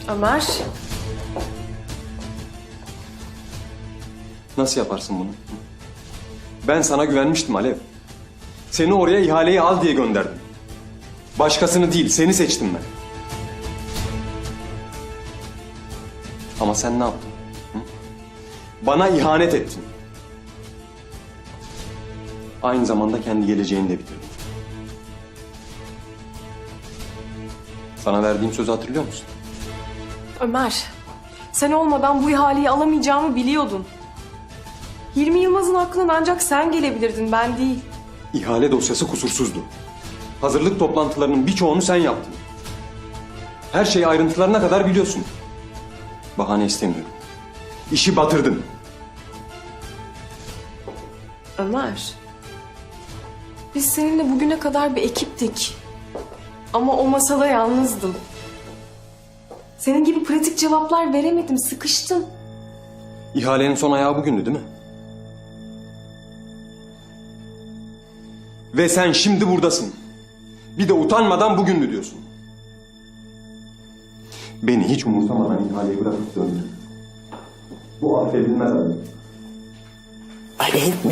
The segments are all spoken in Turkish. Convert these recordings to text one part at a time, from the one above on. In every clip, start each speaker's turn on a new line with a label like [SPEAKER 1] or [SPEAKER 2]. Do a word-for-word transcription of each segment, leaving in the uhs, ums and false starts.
[SPEAKER 1] Ömer.
[SPEAKER 2] Nasıl yaparsın bunu? Ben sana güvenmiştim Alev. Seni oraya ihaleyi al diye gönderdim. Başkasını değil, seni seçtim ben. Ama sen ne yaptın? Hı? Bana ihanet ettin. Aynı zamanda kendi geleceğini de bitirdin. Sana verdiğim sözü hatırlıyor musun?
[SPEAKER 1] Ömer. Sen olmadan bu ihaleyi alamayacağımı biliyordun. Hilmi Yılmaz'ın aklına ancak sen gelebilirdin, ben değil.
[SPEAKER 2] İhale dosyası kusursuzdu. Hazırlık toplantılarının birçoğunu sen yaptın. Her şeyi ayrıntılarına kadar biliyorsun. Bahane istemiyorum. İşi batırdın.
[SPEAKER 1] Ömer. Biz seninle bugüne kadar bir ekiptik. Ama o masada yalnızdım. Senin gibi pratik cevaplar veremedim, sıkıştım.
[SPEAKER 2] İhalenin son ayağı bugündü değil mi? Ve sen şimdi buradasın. Bir de utanmadan bugündü diyorsun. Beni hiç umursamadan ihaleyi bırakıp döndün. Bu affedilmez Alev.
[SPEAKER 3] Alev mi?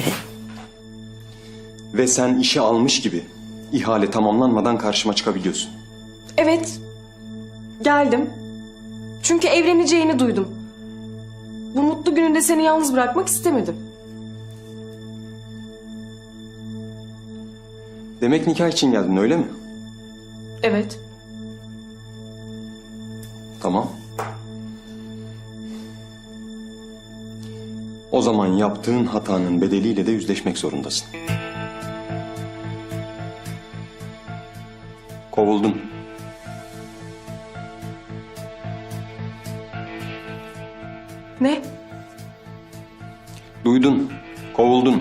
[SPEAKER 2] Ve sen işi almış gibi ihale tamamlanmadan karşıma çıkabiliyorsun.
[SPEAKER 1] Evet. Geldim. Çünkü evleneceğini duydum. Bu mutlu gününde seni yalnız bırakmak istemedim.
[SPEAKER 2] Demek nikah için geldin öyle mi?
[SPEAKER 1] Evet.
[SPEAKER 2] Tamam. O zaman yaptığın hatanın bedeliyle de yüzleşmek zorundasın. Kovuldun.
[SPEAKER 1] Ne?
[SPEAKER 2] Duydun. Kovuldun.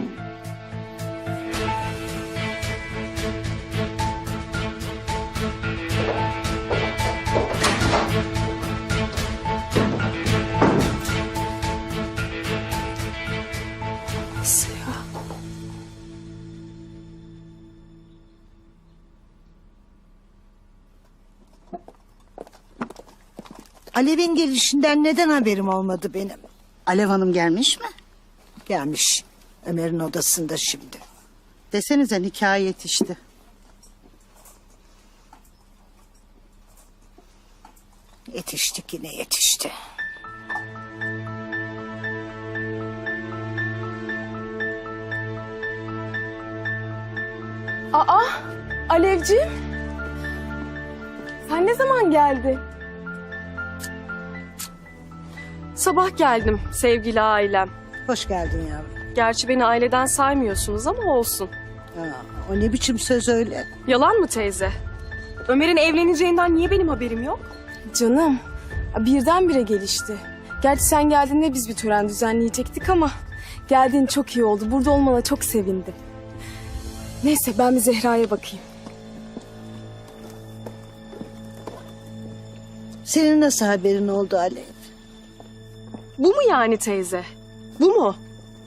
[SPEAKER 1] Nasıl ya?
[SPEAKER 3] Alev'in gelişinden neden haberim olmadı benim?
[SPEAKER 4] Alev Hanım gelmiş mi?
[SPEAKER 3] Gelmiş. Ömer'in odasında şimdi.
[SPEAKER 4] Desenize nikah yetişti.
[SPEAKER 3] Yetiştik yine yetişti.
[SPEAKER 1] Aa, Alevciğim. Sen ne zaman geldin? Sabah geldim sevgili ailem.
[SPEAKER 3] Hoş geldin yavrum.
[SPEAKER 1] Gerçi beni aileden saymıyorsunuz ama olsun.
[SPEAKER 3] Aa, o ne biçim söz öyle?
[SPEAKER 1] Yalan mı teyze? Ömer'in evleneceğinden niye benim haberim yok?
[SPEAKER 5] Canım, birdenbire gelişti. Gerçi sen geldiğinde biz bir tören düzenleyecektik ama geldiğin çok iyi oldu. Burada olmana çok sevindim. Neyse ben bir Zehra'ya bakayım.
[SPEAKER 3] Senin nasıl haberin oldu Alev?
[SPEAKER 1] Bu mu yani teyze? Bu mu?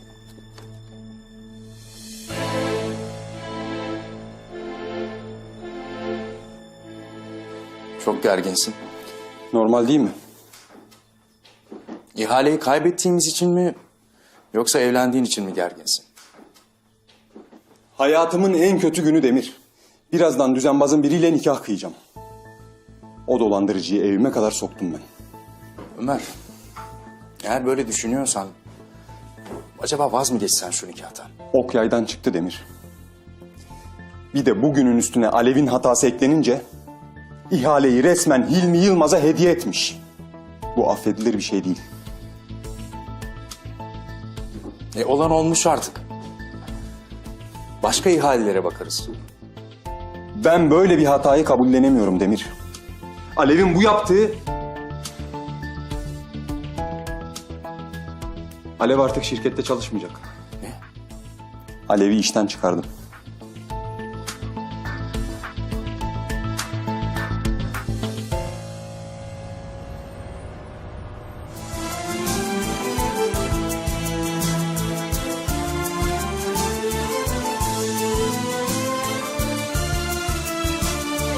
[SPEAKER 6] Çok gerginsin.
[SPEAKER 2] Normal değil mi?
[SPEAKER 6] İhaleyi kaybettiğimiz için mi yoksa evlendiğin için mi gerginsin?
[SPEAKER 2] Hayatımın en kötü günü Demir. Birazdan düzenbazın biriyle nikah kıyacağım. O dolandırıcıyı evime kadar soktum ben.
[SPEAKER 6] Ömer, eğer böyle düşünüyorsan acaba vaz mı geçsen şu nikahtan?
[SPEAKER 2] Ok yaydan çıktı Demir. Bir de bugünün üstüne Alev'in hatası eklenince ihaleyi resmen Hilmi Yılmaz'a hediye etmiş. Bu affedilir bir şey değil.
[SPEAKER 6] E olan olmuş artık. Başka ihalelere bakarız.
[SPEAKER 2] Ben böyle bir hatayı kabullenemiyorum Demir. Alev'in bu yaptığı... Alev artık şirkette çalışmayacak.
[SPEAKER 6] Ne?
[SPEAKER 2] Alev'i işten çıkardım.